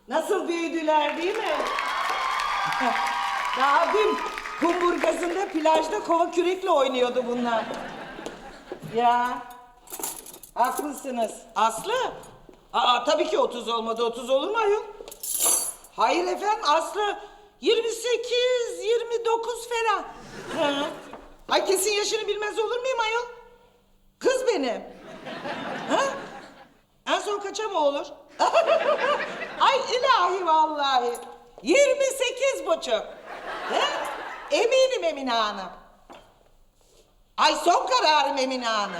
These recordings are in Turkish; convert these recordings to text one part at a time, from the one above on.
Nasıl büyüdüler değil mi? Daha dün kumburgazında plajda kova kürekle oynuyordu bunlar. Ya haklısınız. Aslı? Aa tabii ki 30 olmadı. 30 olur mu ayol? Hayır efendim Aslı 28, 29 falan. Hı. Ay kesin yaşını bilmez olur muyum ayol? Kız benim. Ha? En son kaça mı olur? Ay ilahi vallahi. 28 buçuk. He? Eminim Emine Hanım. Ay son kararım Emine Hanım.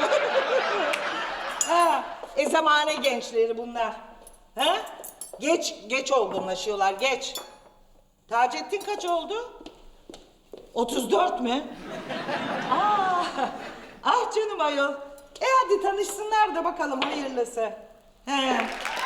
Ha, zamane gençleri bunlar. Ha? Geç olgunlaşıyorlar, geç. Taceddin kaç oldu? 34 mü? Aa, ah canım ayol. Hadi tanışsınlar da bakalım hayırlısı. He.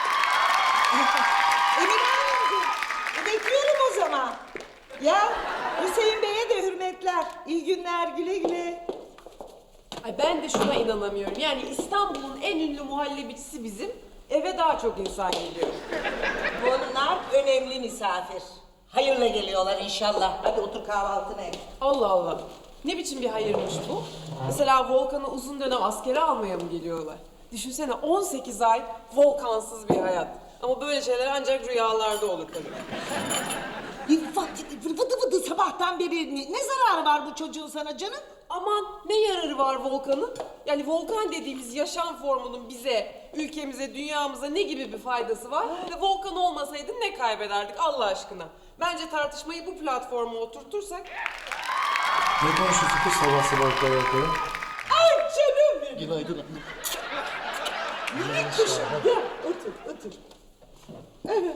Emine Hanımcığım, bekliyorum o zaman. Ya Hüseyin Bey'e de hürmetler. İyi günler, güle güle. Ay ben de şuna inanamıyorum. Yani İstanbul'un en ünlü muhallebicisi bizim. Eve daha çok insan geliyor. Bunlar önemli misafir. Hayırla geliyorlar inşallah. Hadi otur kahvaltını et. Allah Allah. Ne biçim bir hayırmış bu? Mesela Volkan'ı uzun dönem askere almaya mı geliyorlar? Düşünsene 18 ay Volkansız bir hayat. Ama böyle şeyler ancak rüyalarda olur tabii. Vıdı vıdı sabahtan beri ne zararı var bu çocuğun sana canım? Aman ne yararı var Volkan'ın? Yani Volkan dediğimiz yaşam formunun bize, ülkemize, dünyamıza ne gibi bir faydası var? Ve Volkan olmasaydı ne kaybederdik Allah aşkına? Bence tartışmayı bu platforma oturtursak... Ne konuşuyorsun kız sabah sabah ayakları? Ay canım benim. Günaydın anne. Minik kuşum. Gel otur. Evet.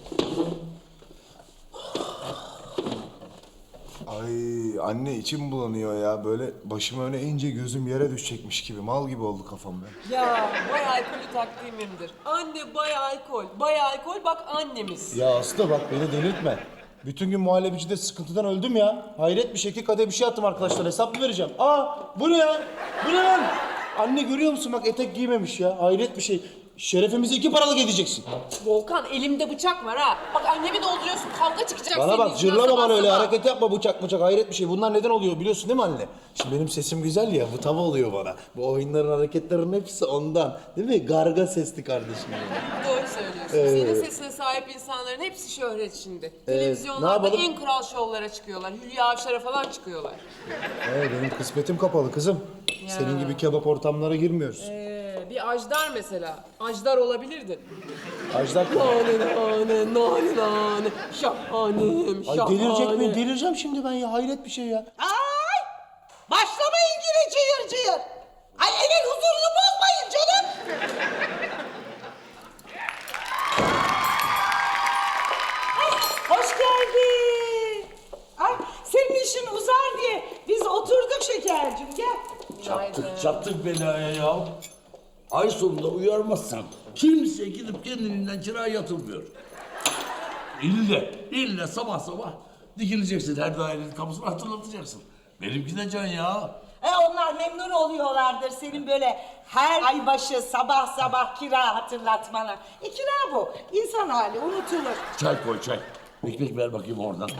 Ay anne içim bulanıyor ya. Böyle başım öne eğince gözüm yere düşecekmiş gibi. Mal gibi oldu kafam ben. Ya bay alkolü takdimimdir. Anne bay alkol. Bay alkol bak annemiz. Ya Aslı bak beni delirtme. Bütün gün muhallebicide sıkıntıdan öldüm ya. Hayret bir şekilde kadeh bir şey attım arkadaşlar. Hesap mı vereceğim? Aa bu ne ya? Bu ne lan? Anne görüyor musun bak etek giymemiş ya. Hayret bir şey. Şerefimizi 2 paralık edeceksin. Volkan elimde bıçak var ha. Bak annemi dolduruyorsun kavga çıkacak Bana senin bak yüzünden cırlama sabah bana öyle sabah. hareket yapma bıçak hayret bir şey. Bunlar neden oluyor biliyorsun değil mi anne? Şimdi benim sesim güzel ya bu tava oluyor bana. Bu oyunların hareketlerin hepsi ondan. Değil mi? Garga sesli kardeşim benim. Doğru söylüyorsun. Senin sesine sahip insanların hepsi şöhret şimdi. ne Televizyonlarda yapalım? en kral şovlara çıkıyorlar. Hülya Avşar'a falan çıkıyorlar. Benim kısmetim kapalı kızım. Senin gibi kebap ortamlara girmiyoruz. Bir Ajdar mesela. Ajdar olabilirdin. Ajdar Nane, şahanem, Ay delirecek miyim? Delireceğim şimdi ben ya. Hayret bir şey ya. Ay! Başlamayın yine cıyır. Ay evin huzurunu bozmayın canım. Ay, hoş geldin. Ay senin işin uzar diye biz oturduk şekercim gel. Çattık belaya ya. Ay sonunda uyarmazsan kimse gidip kendiliğinden kiraya yatırmıyor. İlle sabah sabah dikileceksin her dairenin kapısını hatırlatacaksın. Benimki de can ya. Onlar memnun oluyorlardır senin böyle her ay başı sabah kira hatırlatmana. Kira bu. İnsan hali unutulur. Çay koy çay. Ekmek ver bakayım oradan.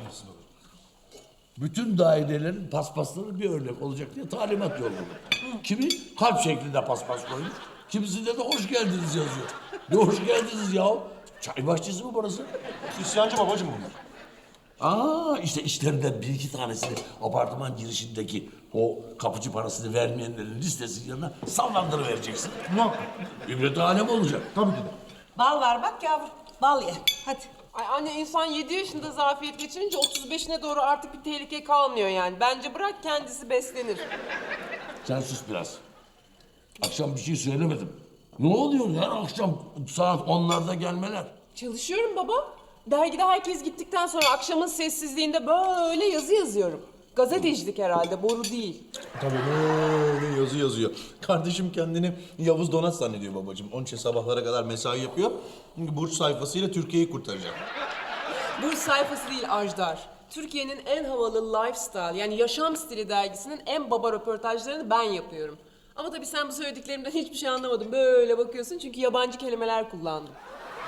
Bütün dairelerin paspasları bir örnek olacak diye talimat yolladı. Kimi kalp şeklinde paspas koymuş, kimisinde de hoş geldiniz yazıyor. Ne hoş geldiniz ya? Çay bahçesi mi burası? İsyancı babacım bunlar. Aa işte işlerinden bir iki tanesini apartman girişindeki o kapıcı parasını vermeyenlerin listesinin yanına sallandırıvereceksin. Ne? İbret alem olacak. Tabii ki de. Bal var bak yavrum. Bal ye. Hadi. Ay anne insan 7 yaşında zafiyet geçirince 35'ine doğru artık bir tehlike kalmıyor yani. Bence bırak kendisi beslenir. Sen sus biraz. Akşam bir şey söylemedim. Ne oluyor her akşam saat 10'larda gelmeler? Çalışıyorum baba. Dergide herkes gittikten sonra akşamın sessizliğinde böyle yazı yazıyorum. Gazetecilik herhalde, boru değil. Tabii böyle yazı yazıyor. Kardeşim kendini Yavuz Donat zannediyor babacığım. Onun için sabahlara kadar mesai yapıyor. Çünkü Burç sayfasıyla Türkiye'yi kurtaracak. Bu sayfası değil Ajdar. Türkiye'nin en havalı lifestyle yani yaşam stili dergisinin en baba röportajlarını ben yapıyorum. Ama tabii sen bu söylediklerimden hiçbir şey anlamadın. Böyle bakıyorsun çünkü yabancı kelimeler kullandım.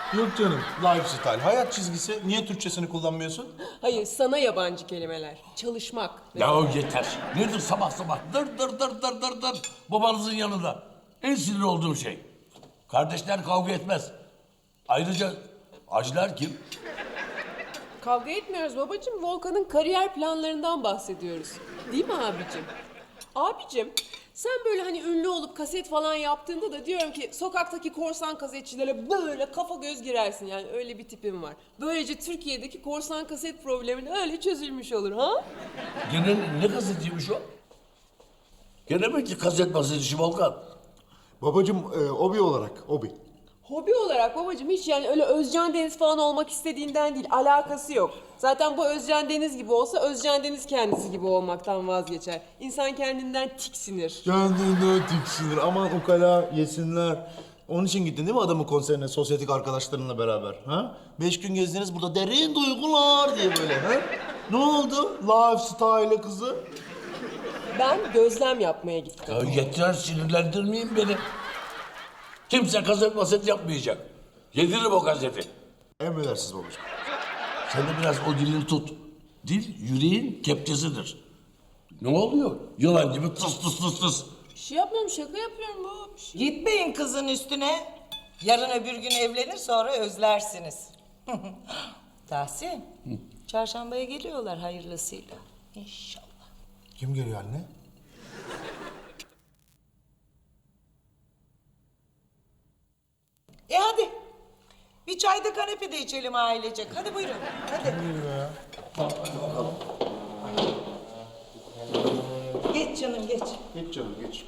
Yok canım. Lifestyle, hayat çizgisi. Niye Türkçesini kullanmıyorsun? Hayır, sana yabancı kelimeler. Çalışmak. Ya yeter. Nedir sabah sabah dır dır dır dır dır dır babanızın yanında. En sinir olduğum şey. Kardeşler kavga etmez. Ayrıca acılar kim? Kavga etmiyoruz babacığım. Volkan'ın kariyer planlarından bahsediyoruz. Değil mi abicim? Abicim, sen böyle hani ünlü olup kaset falan yaptığında da diyorum ki sokaktaki korsan kasetçilere böyle kafa göz girersin, yani öyle bir tipim var. Böylece Türkiye'deki korsan kaset problemi öyle çözülmüş olur ha? Gene ne kasetiymiş o? Gene mi ki kaset bahsedişi Volkan? Babacım, hobi olarak, hobi. Hobi olarak babacığım hiç yani öyle Özcan Deniz falan olmak istediğinden değil, alakası yok. Zaten bu Özcan Deniz gibi olsa Özcan Deniz kendisi gibi olmaktan vazgeçer. İnsan kendinden tiksinir. Kendine tiksinir. Aman ukala yesinler. Onun için gittin değil mi adamın konserine sosyetik arkadaşlarınla beraber? Ha? 5 gün gezdiniz burada derin duygular diye böyle. Ha? Ne oldu? Lifestyle kızı. Ben gözlem yapmaya gittim. Ya yeter sinirlendirmeyin beni. Kimse kaset maset yapmayacak. Yediririm o kaseti. Emredersiniz babacığım. Sen de biraz o dilini tut. Dil yüreğin kepçesidir. Ne oluyor? Yılan gibi tıs tıs tıs tıs. Bir şey yapmıyorum, şaka yapıyorum baba. Bir şey. Gitmeyin kızın üstüne. Yarın öbür gün evlenir, sonra özlersiniz. Tahsin, çarşambaya geliyorlar hayırlısıyla. İnşallah. Kim geliyor anne? Hadi. Bir çay da kanepe de içelim ailecek. Hadi buyurun. Hadi. Geç canım geç. Geç canım geç.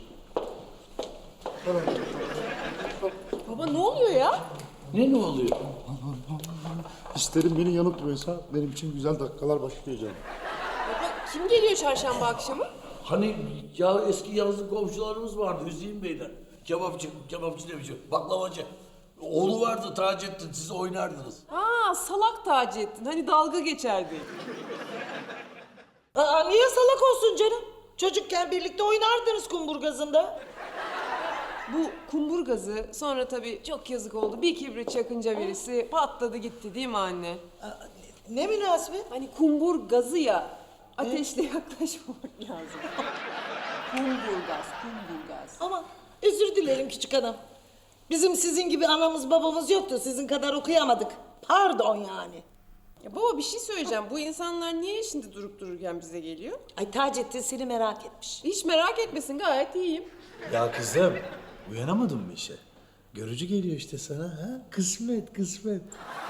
Baba ne oluyor ya? Ne oluyor? İsterim beni yanıltmıyorsa benim için güzel dakikalar başlıyor canım. Baba kim geliyor çarşamba akşamı? Hani ya eski yazlık komşularımız vardı Hüseyin Beyler. Kebapçı demişim, baklavacı. Oğlu vardı Taceddin, siz oynardınız. Ha salak Taceddin, hani dalga geçerdi. Aa, niye salak olsun canım? Çocukken birlikte oynardınız kumburgazında. Bu kumburgazı sonra tabii çok yazık oldu. Bir kibrit çakınca birisi patladı gitti değil mi anne? Ne münasebet? Hani kumburgazı ya, ateşle yaklaşmamak lazım. Kumburgaz. Ama özür dilerim küçük hanım. Bizim sizin gibi anamız babamız yoktu. Sizin kadar okuyamadık. Pardon yani. Ya baba bir şey söyleyeceğim. Bu insanlar niye şimdi durup dururken bize geliyor? Ay Taceddin seni merak etmiş. Hiç merak etmesin, gayet iyiyim. Ya kızım, uyanamadın mı işe? Görücü geliyor işte sana ha? Kısmet, kısmet.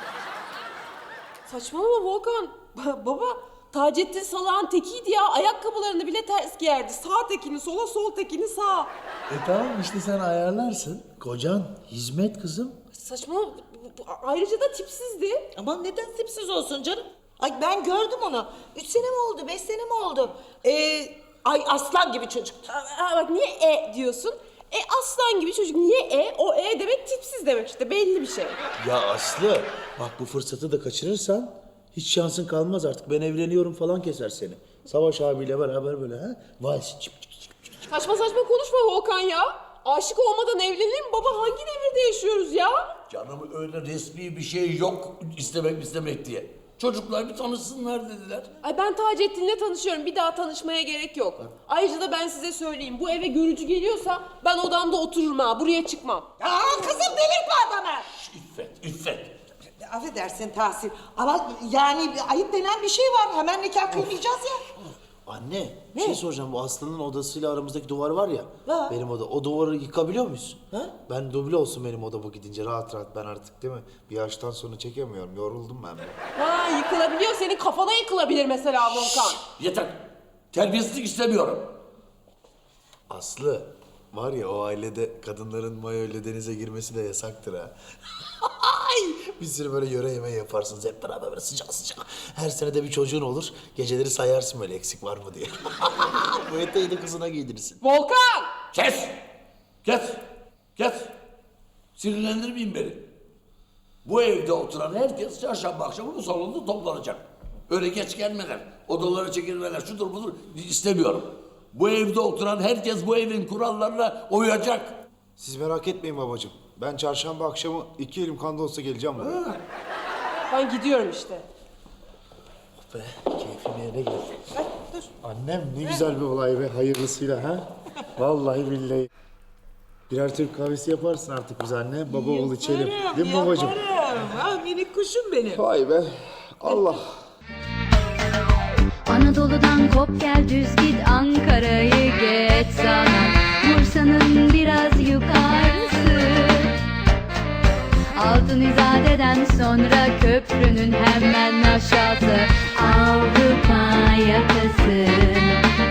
Saçmalama Volkan. Baba Taceddin salağın tekiydi ya. Ayakkabılarını bile ters giyerdi. Sağ tekini sola, sol tekini sağa. Tamam işte sen ayarlarsın. Kocan hizmet kızım. Saçmalama. Ayrıca da tipsizdi. Aman neden tipsiz olsun canım? Ay ben gördüm onu. 3 sene mi oldu, 5 sene mi oldu? Ay aslan gibi çocuktu. Bak niye diyorsun? Aslan gibi çocuk. Niye O demek tipsiz demek işte. Belli bir şey. Ya Aslı, bak bu fırsatı da kaçırırsan hiç şansın kalmaz artık. Ben evleniyorum falan keser seni. Savaş abiyle beraber böyle ha? Vals çıp çıp çıp çıp. Saçma saçma konuşma Volkan ya. Aşık olmadan evlenir mi baba? Hangi devirde yaşıyoruz ya? Canım öyle resmi bir şey yok istemek diye. Çocuklar bir tanışsınlar dediler. Ay ben Taceddin'le tanışıyorum. Bir daha tanışmaya gerek yok. Ayrıca da ben size söyleyeyim. Bu eve görücü geliyorsa ben odamda otururum ha. Buraya çıkmam. Aa kızım delirtme adamı. İffet. Affedersin Tahsin ama yani ayıp denen bir şey var. Hemen nikah kıymayacağız ya. Anne, bir şey soracağım. Bu Aslı'nın odasıyla aramızdaki duvar var ya. Ha. Benim oda. O duvarı yıkabiliyor muyuz? Ha? Ben duble olsun benim odama gidince rahat rahat ben artık değil mi? Bir yaştan sonra çekemiyorum. Yoruldum ben. Ha yıkılabiliyor. Senin kafana yıkılabilir mesela Volkan. Yeter. Terbiyesizlik istemiyorum. Aslı, var ya o ailede kadınların mayoyla denize girmesi de yasaktır ha. Bir sürü böyle yöre yemeği yaparsınız hep beraber böyle sıcak sıcak. Her sene de bir çocuğun olur. Geceleri sayarsın böyle eksik var mı diye. Bu eteği de kızına giydirirsin. Volkan! Kes. Sinirlendirmeyin beni. Bu evde oturan herkes çarşamba akşamı bu salonda toplanacak. Öyle geç gelmeler, odalara çekilmeler, şudur budur istemiyorum. Bu evde oturan herkes bu evin kurallarına uyacak. Siz merak etmeyin babacığım. Ben çarşamba akşamı 2 elim kanda olsa geleceğim buraya. Ben gidiyorum işte. Be, keyfim yerine geldi. Annem ne güzel bir olay be, hayırlısıyla ha. Vallahi billahi. Birer Türk kahvesi yaparsın artık bize anne. Baba oğul içelim. Değil mi babacığım? Yaparım. Ah minik kuşum benim. Vay be. Allah. Anadolu'dan kop gel düz git Ankara'yı geç sana Bursa'nın biraz yukarısı Altın İzade'den sonra köprünün hemen aşağısı Avrupa yakası